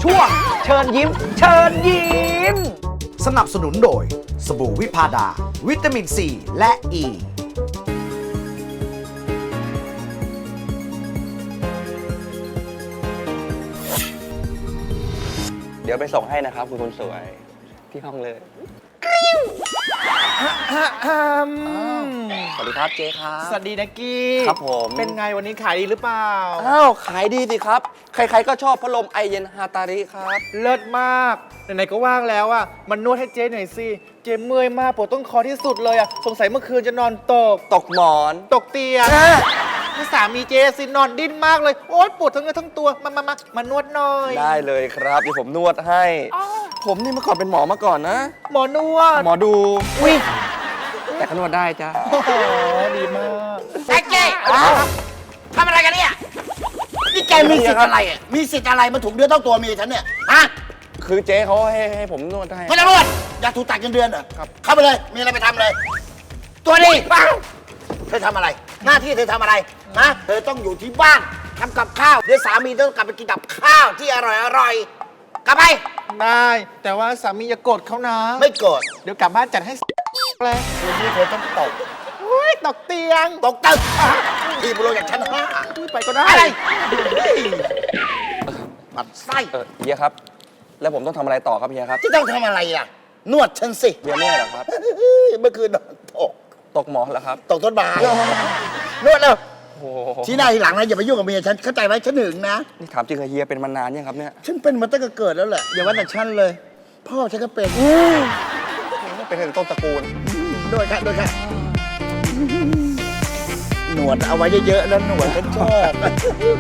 ช่วงเชิญยิ้ม เชิญยิ้มสนับสนุนโดยสบู่วิพาดา วิตามินซีและอ e. ีเดี๋ยวไปส่งให้นะครับคุณคนสวยที่ห้องเลยสวัสดีครับเจ๊ครับสวัสดีนะกี้ครับผมเป็นไงวันนี้ขายดีหรือเปล่าอ้าวขายดีสิครับ ใครๆก็ชอบพัดลมไอเย็นฮาตาริครับเลิศมากไหนๆก็ว่างแล้วอ่ะมันนวดให้เจ๊หน่อยสิเจ๊เมื่อยมากปวดต้นคอที่สุดเลยอ่ะสงสัยเมื่อคืนจะนอนตกตกหมอนตกเตียงนี่สามีเจสินอนดิ้นมากเลยโอ๊ยปวดทั้งเนื้อทั้งตัวมานวดหน่อยได้เลยครับเดี๋ยวผมนวดให้ ผมนี่เมื่อก่อนเป็นหมอมาก่อนนะหมอนวดหมอดูอุ้ยแต่ก็นวดได้จ้าโอ้โหดีมากไอ้เจ๊ทำอะไรกันเนี่ย นี่แกมีสิทธิ์อะไรอ่ะ มีสิทธิ์อะไรมาถูกเดือนต้องตัวเมียฉันเนี่ย ฮะคือเจ๊เขาให้ผมนวดให้ไม่ต้องนวดอยากถูกตัดเงินเดือนเหรอครับเข้าไปเลย มีอะไรไปทำเลย ตัวนี้เธอทำอะไร หน้าที่เธอทำอะไรนะเธอต้องอยู่ที่บ้านทำกับข้าว เดี๋ยวสามีต้องกลับไปกินกับข้าวที่อร่อยๆ กลับไปได้แต่ว่าสามีอย่าโกรธเขานะไม่โกรธเดี๋ยวกลับบ้านจัดให้เลยวันนี้เธอต้องตกอุ้ยตกเตียงตกตึกทีบุโรจากชั้นห้าอุ้ยไปก็ได้อะไรปัดไส้เฮียครับ แล้วผมต้องทำอะไรต่อครับเฮียครับที่ต้องทำอะไรล่ะ นวดฉันสิเฮียเมื่อยเหรอครับเมื่อคืนนอนตกตกหมอนเหรอครับตกต้นไม้นวดแล้วโอ้โหที่หน้าทีหลังนะอย่าไปยุ่งกับเมียฉันเข้าใจไหมฉันหึงนะนี่ถามจริงเหรอเฮียเป็นมานานยังครับเนี่ยฉันเป็นมาตั้งแต่เกิดแล้วแหละอย่าว่าแต่ฉันเลย พ่อฉันก็เป็นเป็นถึงต้นตระกูลด้วยค่ะหนวดเอาไว้เยอะๆนะหนวดฉันชอบ